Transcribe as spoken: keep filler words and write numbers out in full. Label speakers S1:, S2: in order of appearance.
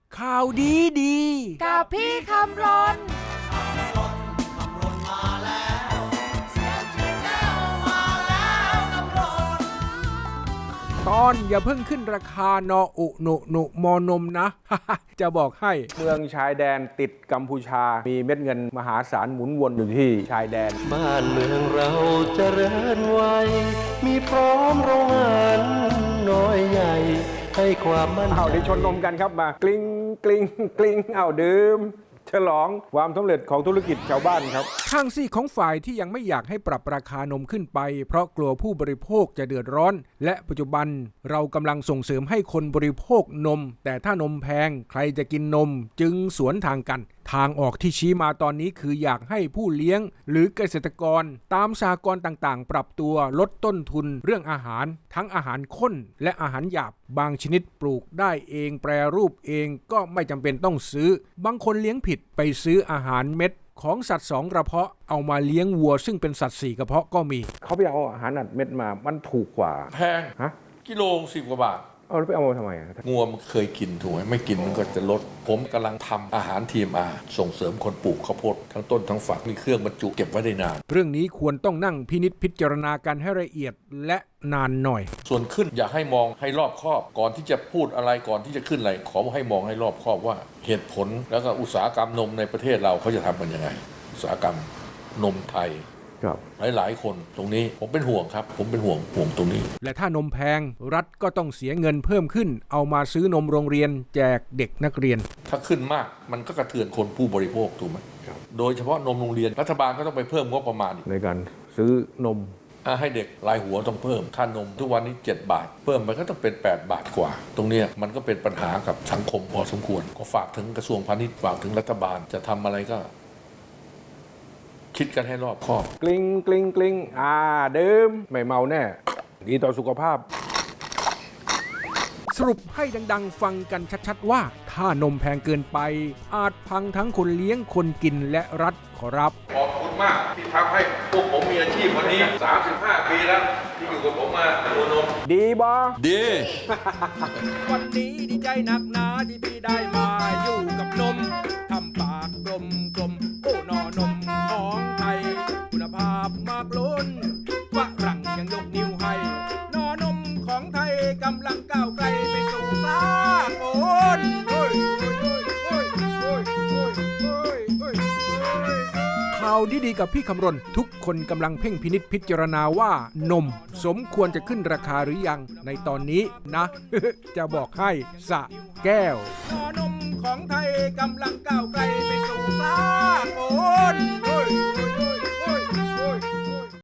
S1: ข่าวดีดี
S2: กับพี่คำรน
S1: ตอนอย่าเพิ่งขึ้นราคานออุหนุหนุมอนมนะ จะบอกให้เมืองชายแดนติดกัมพูชามีเม็ดเงินมหาศาลหมุนวนอยู่ที่ชายแดน
S3: บ้านเมืองเราเจริญไวมีพร้อมโรงงานน้อยใหญ่ให้ความมั่นใจ
S1: เอาได้ชนนมกันครับมากลิ้งกลิ้งกลิ้งเอาดื่มฉลองความสำเร็จของธุรกิจชาวบ้านครับข้างซี่ของฝ่ายที่ยังไม่อยากให้ปรับราคานมขึ้นไปเพราะกลัวผู้บริโภคจะเดือดร้อนและปัจจุบันเรากำลังส่งเสริมให้คนบริโภคนมแต่ถ้านมแพงใครจะกินนมจึงสวนทางกันทางออกที่ชี้มาตอนนี้คืออยากให้ผู้เลี้ยงหรือเกษตรกรตามสหกรณ์ต่างๆปรับตัวลดต้นทุนเรื่องอาหารทั้งอาหารข้นและอาหารหยาบบางชนิดปลูกได้เองแปรรูปเองก็ไม่จำเป็นต้องซื้อบางคนเลี้ยงผิดไปซื้ออาหารเม็ดของสัตว์สองกระเพาะเอามาเลี้ยงวัวซึ่งเป็นสัตว์สี่กระเพาะก็มีเขาไปเอาอาหารอัดเม็ดมามันถูกกว่า
S4: แพง
S1: ฮะ
S4: กิโลสิบกว่าบาท
S1: เอาไปเอามาทำไม
S4: งัวมันเคยกินถูกไหมไม่กินมันก็จะลดผมกำลังทำอาหารทีมอาส่งเสริมคนปลูกข้าวโพดทั้งต้นทั้งฝักมีเครื่องบรรจุเก็บไว้ได้นาน
S1: เรื่องนี้ควรต้องนั่งพินิจพิจารณากันให้ละเอียดและนานหน่อย
S4: ส่วนขึ้นอยากให้มองให้รอบคอบก่อนที่จะพูดอะไรก่อนที่จะขึ้นอะไรขอให้มองให้รอบคอบว่าเหตุผลแล้วก็อุตสาหกรรมนมในประเทศเราเขาจะทำกันยังไงอุตสาหกรรมนมไทยหลายหลายคนตรงนี้ผมเป็นห่วงครับผมเป็นห่วงห่วงตรงนี้
S1: และถ้านมแพงรัฐก็ต้องเสียเงินเพิ่มขึ้นเอามาซื้อนมโรงเรียนแจกเด็กนักเรียน
S4: ถ้าขึ้นมากมันก็กระเทือนคนผู้บริโภคถูกไหมโดยเฉพาะนมโรงเรียนรัฐบาลก็ต้องไปเพิ่มงบประมาณ
S1: ในการซื้อนม
S4: ให้เด็กรายหัวต้องเพิ่มค่านมทุกวันนี้เจ็ดบาทเพิ่มไปก็ต้องเป็นแปดบาทกว่าตรงนี้มันก็เป็นปัญหากับสังคมพอสมควรก็ฝากถึงกระทรวงพาณิชย์ฝากถึงรัฐบาลจะทำอะไรก็คิดกันให้รอบคอบ
S1: กลิ้งกลิ้งกลิ้งอ่าดื่มไม่เมาแน่ดีต่อสุขภาพสรุปให้ดังๆฟังกันชัดๆว่าถ้านมแพงเกินไปอาจพังทั้งคนเลี้ยงคนกินและรัฐขอรับ
S4: ขอบคุณมากที่ทำให้พวกผมมีอาชีพวันนี้สามสิบห้าปีแล้วที่อยู่กับผมมาตัวนม
S1: ดีบอ
S4: ดี
S1: วันนี้ดีใจหนักหนาที่พี่ได้มาอยู่กับนมทำปากกลมกลมโอ้นอนมของไทยคุณภาพมากล้นฝรั่งยังยกนิ้วให้นอนมของไทยกำลังก้าวไกลไปสู่สากลข่าวดีๆกับพี่คำรณทุกคนกำลังเพ่งพินิจพิจารณาว่านมสมควรจะขึ้นราคาหรือยังในตอนนี้นะ จะบอกให้สะแก้วนมของไทยกำลังก้าวไกล